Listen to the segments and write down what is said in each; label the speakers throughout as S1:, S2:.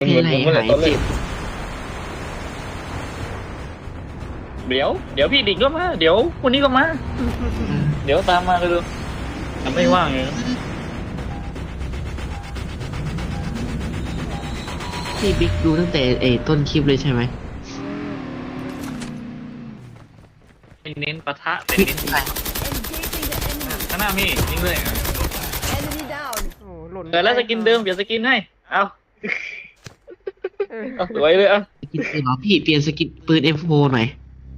S1: เป็นไรหายเจ็บ
S2: เดี๋ยวพี่ดิ่งก็มาเดี๋ยวคนนี้ก็มาเดี๋ยวตามมาเลยทำไม่ว่างเลย
S1: พี่บิ๊กดูตั้งแต่ต้นคลิปเลยใช่ไหม
S2: เป็นเน้นปะทะเป็นเน้นข้างหน้าพี่ยิงเลยเกิดแล้วสกินเดิมเดี๋ยวสกินให้เอาสวยเลย
S1: สกินปืนเหรอพี่เปลี่ยนสกินปืน M4 หน่อย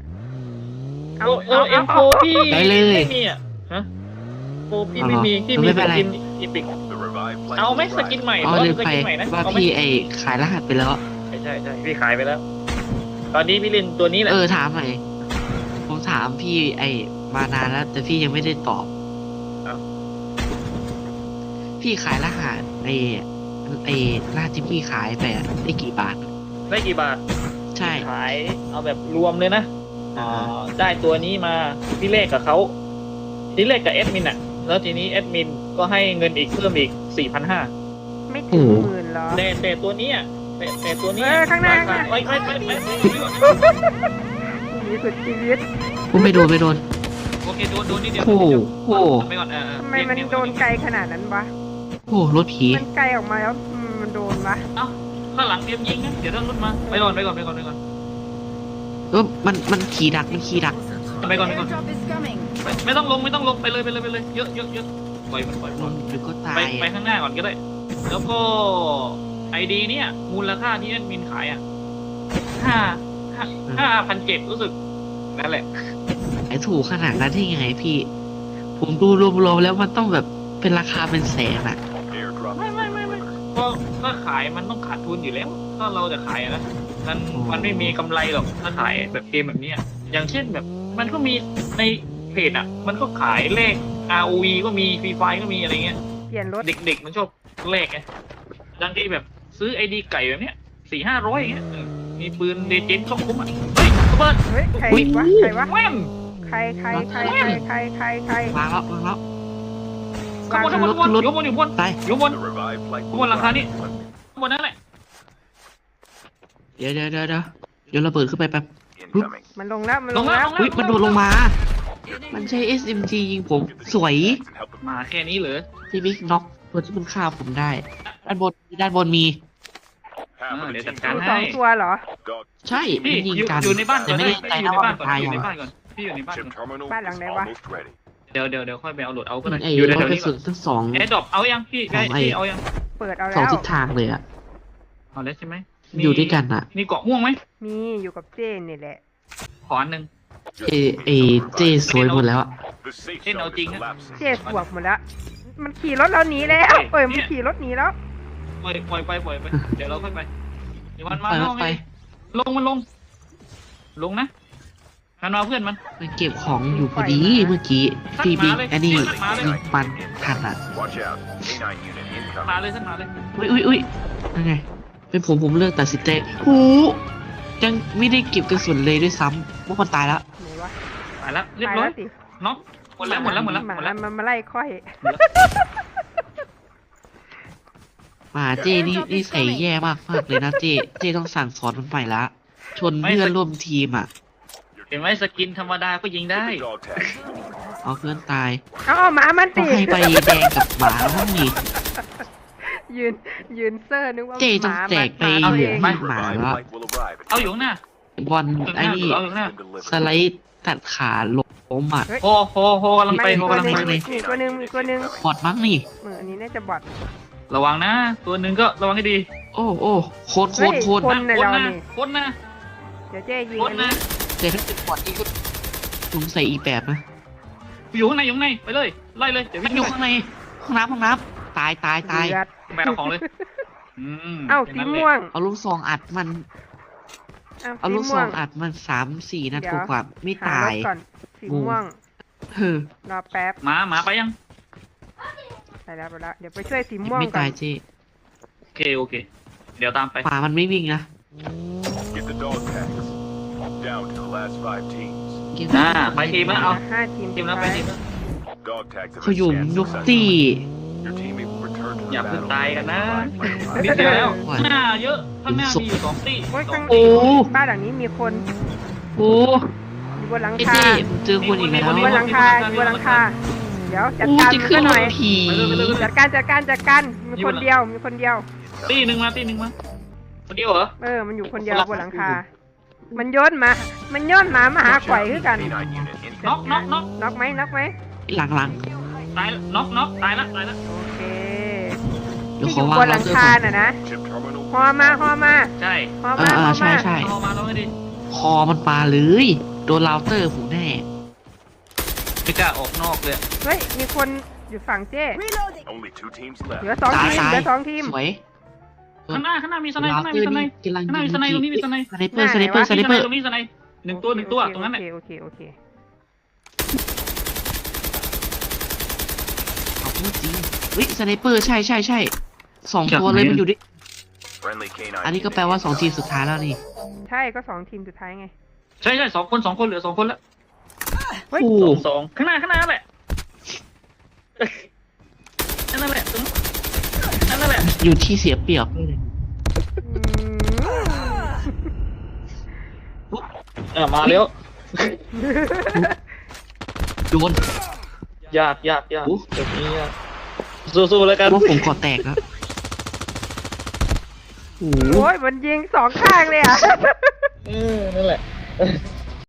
S2: M4 พี่ไม่มีอ่ะฮะโอ้พี่ไม่มีพี่มีสกินอีพิกเอาไหมสกินใหม่
S1: เลยไปว่าพี่ขายรหัสไปแล้ว
S2: ใช่พี่ขายไปแล้วตอนนี้พี่เล่นตัวนี้แหละ
S1: ถามหน่อยผมถามพี่มานานแล้วแต่พี่ยังไม่ได้ตอบพี่ขายรหัสรหัสที่พี่ขายไปได้กี่บาทใช่
S2: ขายเอาแบบรวมเลยนะได้ตัวนี้มาพี่เลขกับเขาพี่เลขกับแอดมินอ่ะแล้วทีนี้แอดมินก็ให้เงินอีกเพิ่มอีก 4,500
S3: ไม่ถึง10,000หรอ
S2: แต่ตัวนี้แต่ตัวนี้
S3: ข้างหน้า
S2: ไป
S3: มีสุดชีวิต
S1: ผมไม่โดน
S2: โอเคโดนนิดเดียว
S1: โอ้
S2: ไปก่อน
S3: ทำไมมันโดนไกลขนาดนั้นวะ
S1: รถผี
S3: มันไกลออกมาแล้วมันโดนวะ
S2: เอ้าข้างหลังเตรียมยิงนะเดี๋ยวต้องรถมาไปก่อน
S1: มันขี่ดักไปก่อน
S2: ไม่ต้องลงไปเลยเยอะปล่อยมัน
S1: หรือก็ตาย
S2: ไปข้างหน้าก่อนก็ได้แล้วก็ไอดีเนี่ยมูลค่าที่แอดมินขาย5,700รู้สึกนั่นแหละ
S1: ถูกขนาดนั้นที่ไงพี่ผมดูรวมๆแล้วมันต้องแบบเป็นราคาเป็นแสนอ่ะ
S2: ไม่ก็ขายมันต้องขาดทุนอยู่แล้วถ้าเราจะขายนะมันไม่มีกำไรหรอกถ้าขายแบบเกมแบบนี้อย่างเช่นแบบมันก็มีในเพจมันก็ขายเลข ROV ก็มี Free Fire ก็มีอะไรเงี้ย
S3: เปลี่ยนรถ
S2: เด็กๆมันชอบเลขไงบางทีแบบซื้อ ID ไก่แบบเนี้ย 400-500อย่างเงี้ยมีปืนเดเจนช่องคุ้ม
S3: เฮ้ยใครวะ
S2: แม่ม
S3: ใคร
S1: วางแล้ว
S2: ขบวนอยู่บนหลังคานี่บนนั่นแหละ
S1: เดี๋ยวระเบิดขึ้นไปแป๊บ
S3: มันลงแล้วมัน
S1: โดดลงมามันใช้ SMG ยิงผมสวย
S2: มาแค่นี้เหรอ
S1: ที่บิ๊กน็อกตัวที่มันฆ่าผมได้ด้านบนมี
S2: เดี๋ยวจัดการให้
S3: 2 ตัวเหรอ
S1: ใช่พี่ยิงกัน
S2: อยู่ในบ้าน
S1: แต่ไม่ได้ใจนะว่าตาย
S2: อยู่ในบ้านก่อนพี่อยู่ในบ้าน
S3: หลังไหนวะ
S2: เดี๋ยวค่อยไปเอาโหลดเอาก็ได้
S1: อยู่ในแถวนี้ทั้งสอง
S2: แอร์ดรอปเอายังพี่เอายัง
S3: เปิดเอาแล้ว
S1: 2ทิศทางเลย
S2: เอาแล้วใช่ไหม
S1: อยู่ด้วยกัน
S2: มีเกาะม่วงไหม
S3: มีอยู่กับเจนนี่แหละ
S2: ขออันนึง
S1: เจสวยหมดแล้ว
S2: เจนเอาจริงนะ
S3: เจสวกหมดแล้วมันขี่รถเราหนีแล้วมันขี่รถหนีแล้ว
S2: ปล่อยไปเดี๋ยวเราค่อยไปเดี๋ยวมันมา
S1: ไป
S2: ลงนะมันมาเพื่อนมัน
S1: เก็บของอยู่พอดีเมื่อกี้ตีบิ๊กอันนี้มันทัน
S2: มาเลย
S1: อุ้ยยังไงเป็นผมเลือกตัดสินใจยังไม่ได้เก็บกระสุนเลยด้วยซ้ำว่ามันตายแล้ว
S2: ตายแล้วเรียบร้อยน็อกหมดแล้ว
S3: มาไล่ค่อย
S1: มาเจนี่ใส่แย่มากเลยนะเจต้องสั่งสอนมันใหม่ละชนเพื่อนร่วมทีม
S2: เห็นไหมสกินธรรมดาก็ยิงได้
S1: เอาเพื่อนตาย
S3: หมามันตี
S1: ให้ไปแดงกับหมาห้องนี้
S3: ยืนเซอร์นึกว่า
S1: เจต้องแจกไปเหลือให้หมาแล้ว
S2: เอาอยู่หน้า
S1: บอลไอ้นี่สไลด์ตัดขาล้ม
S2: โหกำลังไป
S3: ตัวนึง
S1: บอดมั้งนี่
S3: อันนี้น่าจะบอด
S2: ระวังนะตัวนึงก็ระวังให้ดี
S1: โอ้โคตร
S2: นะ
S3: เดี๋ยวเจ๊ยิง
S2: นะ
S1: แต่ถ้าเป็นบอดนี่ก็สงสัยอีแบบนะ
S2: อยู่ข้างในไปเลยไล่เลยเดี๋ยววิ่ง
S1: อยู่ข้างในห้องน้ำตาย
S2: แบกของเลย
S3: สีม่วง
S1: เอาลูกซองอัดมันเอาลูกซองอัดมัน3-4 นัดกว่าไม่ตาย
S3: สีม่วงรอแป๊บ
S2: หมาไปยัง
S3: ไปแล้วเดี๋ยวไปช่วยสีม่วง
S1: ไม่ตายเจ๊
S2: โอเคเดี๋ยวตามไป
S1: ป่ามันไม่วิ่งนะ
S2: ไปทีมแล้วเอา
S3: 5 ทีม
S2: แล้วไปทีม
S1: เขาอยู่ยุกตี้
S2: อย่าเพิ่งตายกันนะนิดเดียวแล้วข้างหน้าเยอะข้างหน้ามีอยู่2 ตี
S3: โอ้ยข้าง
S1: โอ้
S3: บ้านหลังนี้มีคน
S1: โอ้
S3: อยู่บนหลัง
S1: ไอ้
S3: คา
S1: เจ๊ผมเจอคนอีกแล้ว
S3: อยู่บนหลังคาอยู่บนหลังคาเดี๋ยวจัด
S1: โอ้
S3: การ
S1: จะ
S3: มัน
S1: ขึ้
S3: ซะ
S1: น
S3: ห
S1: ร
S3: น่อย
S1: ถผี
S3: จัดการมีคนเดียว
S2: ตีหนึ่งมาคนเดียวเหรอ
S3: มันอยู่คนเดียวบนหลังคา มันโย้อนหมามาหาข่อยคือกัน
S2: น็อก
S3: น็อกไหม
S1: หลัง
S2: ตายน็อกตายละ
S3: โอเค
S1: ๆเดี๋ยว
S3: ที่
S1: ข
S3: อ
S1: อยู่ วาง
S3: บนหลั
S1: เรา
S3: ง
S1: เจอ
S3: คา
S1: ก่อน
S3: น่ะนะ
S4: Chip terminal.
S3: ฮอมา
S2: ใช่
S1: ใช่
S2: เอามาแล้วไม่ดี
S1: คอมันปลาเลยโดนเราเตอร์ผมแน่
S2: ไม่กล้าออกนอกเลย
S3: เฮ้ยมีคนอยู่ฝั่งเจ้
S4: Only 2 teams
S3: เหลือ
S4: left.
S3: 2 ทีม
S1: ซ้าย
S3: เหลือ2 ทีม
S1: สวย
S2: ข้างหน้ามีสไน
S1: เรา
S2: ข้างหน้า
S1: เตอ
S2: มี
S1: ร์
S2: สไน
S1: นี่กำลัง
S2: ข้างหน้ามีสไนตรงนี้มีสไน
S1: สไนเปอร์สไนเปอร์สไนเปอร์
S2: ตรงนี้สไนหนึ่งตัวตรงนั้นแหละ
S3: โอเค
S1: เอาพูดจริงเฮ้ยสไนเปอร์ใช่2 ตัวเลยมันอยู่ดิ
S4: Friendly canine.
S1: อันนี้ก็แปลว่า2 ทีมสุดท้ายแล้วนี่
S3: ใช่ก็2 ทีมสุดท้ายไง
S2: ใช่2 คนเหลือ2 คนแล้ว
S3: เฮ้ย
S1: โอ้
S2: สองข้างหน้าแหละนั่นแหละนั่นแหละ
S1: อยู่ที่เสียเปรียบเลย
S2: มาแล้ว
S1: โดน
S2: ยากแบบนี้ยากสู้ๆแล้วกัน
S1: ว่าผมก่อแตกแล้วโอ้โห
S3: โอ้ยมันยิง2 ข้างเลยอ่ะ
S2: นั่นแหละ